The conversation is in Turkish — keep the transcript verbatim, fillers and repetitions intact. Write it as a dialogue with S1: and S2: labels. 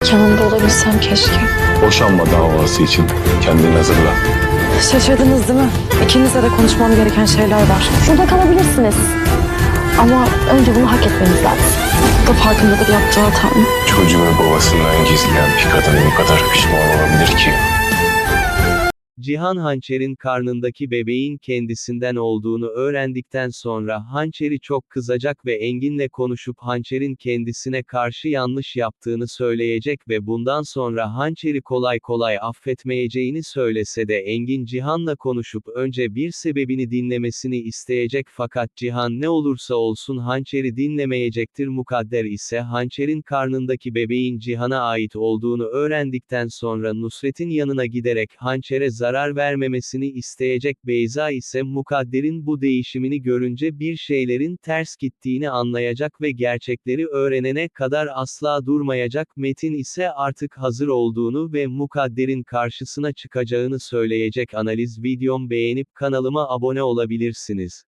S1: Yanında olabilsem keşke.
S2: Boşanma davası için kendini hazırla.
S1: Şaşırdınız değil mi? İkinizle de konuşmam gereken şeyler var.
S3: Şurada kalabilirsiniz. Ama önce bunu hak etmeniz lazım.
S1: Bu da farkındadır yaptığı hatanın.
S2: Çocuğunu babasından gizleyen bir kadın bu kadar pişman olabilir ki.
S4: Cihan Hançer'in karnındaki bebeğin kendisinden olduğunu öğrendikten sonra Hançer'i çok kızacak ve Engin'le konuşup Hançer'in kendisine karşı yanlış yaptığını söyleyecek ve bundan sonra Hançer'i kolay kolay affetmeyeceğini söylese de Engin Cihan'la konuşup önce bir sebebini dinlemesini isteyecek fakat Cihan ne olursa olsun Hançer'i dinlemeyecektir. Mukadder ise Hançer'in karnındaki bebeğin Cihan'a ait olduğunu öğrendikten sonra Nusret'in yanına giderek Hançer'e zarar zarar vermemesini isteyecek. Beyza ise Mukadder'in bu değişimini görünce bir şeylerin ters gittiğini anlayacak ve gerçekleri öğrenene kadar asla durmayacak. Metin ise artık hazır olduğunu ve Mukadder'in karşısına çıkacağını söyleyecek. Analiz videom beğenip kanalıma abone olabilirsiniz.